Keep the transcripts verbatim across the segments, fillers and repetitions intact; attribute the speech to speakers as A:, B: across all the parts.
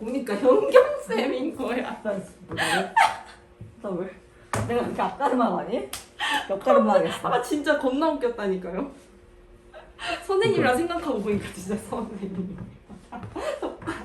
A: 보니까 현경쌤인 거야.
B: 나 왜? 내가 이렇게 앞가르마 하니? 옆가르마 하겠어.
A: 아 진짜 겁나 웃겼다니까요. 선생님이라 생각하고 보니까 진짜 선생님 똑같아.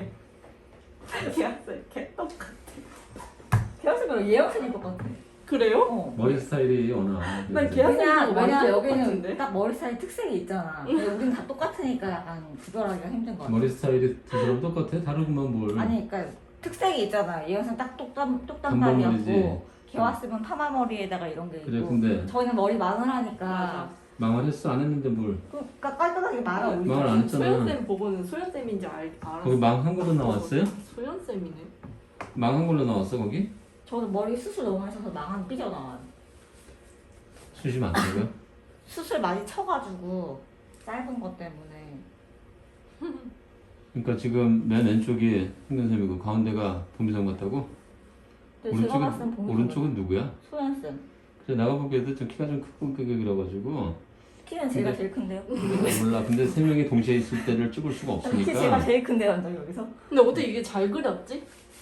A: 기학생 개 똑같아.
B: 걔학생이랑 얘학생이 똑같아.
A: 그래요?
B: 어.
C: 머리 스타일이 워낙.
A: 난
C: 그래서.
A: 걔-
B: 왜냐,
A: 걔학생도
B: 왜냐
A: 완전
B: 여기는
A: 똑같은데?
B: 딱 머리 스타일 특색이 있잖아. 근데 우린 다 똑같으니까 약간 구별하기가 힘든 거 같아.
C: 머리 스타일이 두 사람 똑같아? 다르구만 뭘.
B: 아니 그러니까 특색이 있잖아. 얘 학생 딱 똑단,
C: 단발머리지.
B: 똑단발이었고 걔 왔으면 파마머리에다가 이런 게 있고
C: 그래 근데
B: 저희는 머리 마늘하니까
A: 맞아.
C: 망을 했어 안 했는데 뭘.
B: 그러니까 깔끔하게 말아 올리죠.
C: 망을 안 했잖아.
A: 소연쌤 보고는 소연쌤인지 알, 알았어.
C: 거기 망 한 걸로 나왔어요?
A: 소연쌤이네.
C: 망 한 걸로 나왔어 거기?
B: 저는 머리 수술 너무 하셔서 망한 삐져나와요.
C: 수시 많다고요?
B: 수술 많이 쳐가지고 짧은 것 때문에.
C: 그러니까 지금 맨 왼쪽이 흥근쌤이고 가운데가 보미선 같다고?
B: 근데 제가 봤을 땐
C: 오른쪽은,
B: 보면
C: 오른쪽은 누구야?
B: 소연쌤.
C: 그래 나가 보기에도 좀 키가 좀 크고 크게 그려가지고
B: 키는 제가
C: 근데-
B: 제일 큰데요?
C: 몰라 근데 세 명이 동시에 있을 때를 찍을 수가
B: 키 제가
C: 없으니까
B: 제일 큰데요, 완전 여기서?
A: 근데 어떻게 이게 잘 그렸지?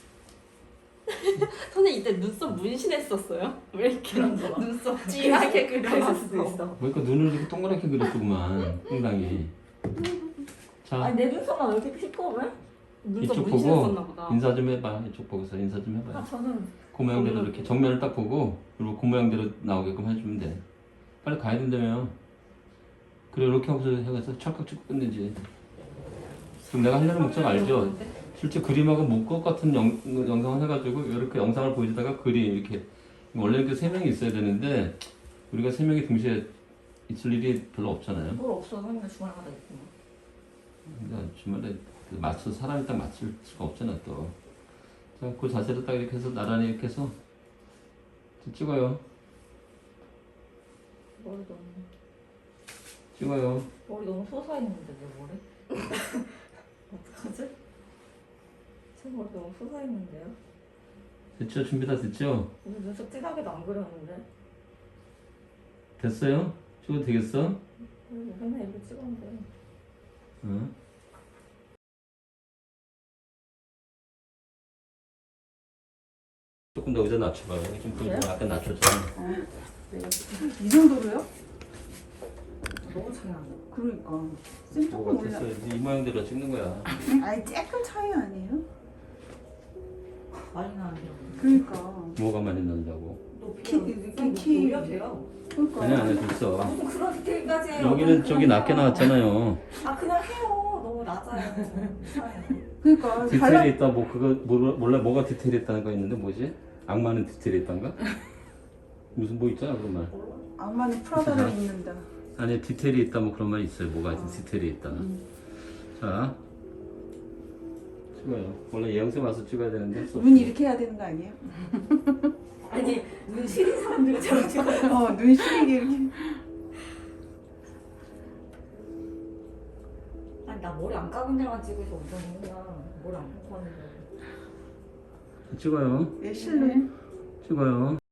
A: 선생님 이때 눈썹 문신했었어요? 왜 이렇게
B: 그런 거 봐.
A: 눈썹 찌하게
B: 그랬을 수도
A: 그려놨어?
B: 있어.
C: 그러니까 눈을 이렇게 동그랗게 그렸더구만 흥당이. 자
B: 아니 내 눈썹만 왜 이렇게 시꺼매?
A: 눈썹
C: 이쪽
A: 문신했었나
C: 보고
A: 보다.
C: 인사 좀 해봐. 이쪽 보고서 인사 좀 해봐.
B: 아 저는
C: 그 모양대로
A: 저는-
C: 이렇게 정면을 딱 보고 그리고 그 모양대로 나오게끔 해주면 돼. 빨리 가야 된다며. 그래 이렇게 하고서 해가서 찰칵 찍고 끝내지. 지금 내가 하려는 목적 알죠? 실제 그림하고 목것 같은 영, 영상을 해가지고 이렇게 영상을 보여주다가 그림 이렇게 원래 이렇게 세 명이 있어야 되는데 우리가 세 명이 동시에 있을 일이 별로 없잖아요.
B: 뭘 없어. 맨날 주말마다 있고.
C: 그러니까 주말에 그 맞춰 사람이 딱 맞출 수가 없잖아 또. 자, 그 자세로 딱 이렇게 해서 나란히 이렇게 해서 좀 찍어요.
B: 머리 너무
C: 찍어요.
B: 머리 너무 솟아있는데 내 머리? 어떡하지? 제 머리 너무 솟아있는데요?
C: 됐죠? 준비 다 됐죠?
B: 오늘 눈썹 진하게도 안 그렸는데?
C: 됐어요? 찍어도 되겠어?
B: 그리고 맨날 이렇게 찍었는데.
C: 응. 조금 더 의자 낮춰봐요. 좀
B: 그래요?
C: 약간 낮췄잖아.
D: 이 정도로요?
B: 너무 차이 난다.
D: 그러니까 쌤 조금
C: 뭐가
D: 올라.
C: 됐어요? 이 모양대로 찍는 거야.
D: 아니 조금 차이 아니에요?
B: 많이 나는데.
D: 그러니까.
C: 뭐가 많이 난다고?
D: 키, 키, 키.
B: 올려도 돼요?
D: 그러니까.
C: 아니야 아니야 됐어.
B: 무슨 그런 디테일까지 해요?
C: 여기는
B: 그냥
C: 저기 낮게
B: 해요.
C: 나왔잖아요.
B: 아 그냥 해요. 너무 낮아요. 이상해요.
D: 그러니까
C: 디테일이
D: 발라.
C: 있다 뭐 그거 몰라, 몰라 뭐가 디테일이 있다는 거 있는데 뭐지? 악마는 디테일이 있단가? 무슨 뭐 있잖아 그런 말.
D: 악마는 프라다를 입는다.
C: 아니 디테일이 있다 뭐 그런 말 있어요. 뭐가 디테일이 있다. 자 찍어요. 원래 예영쌤 와서 찍어야 되는데 할수
D: 눈
C: 없어.
D: 이렇게 해야 되는 거 아니에요?
B: 아니 눈 시린 사람들처럼 찍어요.
D: 어, 눈 시리게 이렇게.
B: 아니 나 머리 안 감은 데만 찍어서 엄청 힘들어. 머리 안 감고 하는데.
C: 찍어요.
D: 예, 실루엣.
C: 찍어요.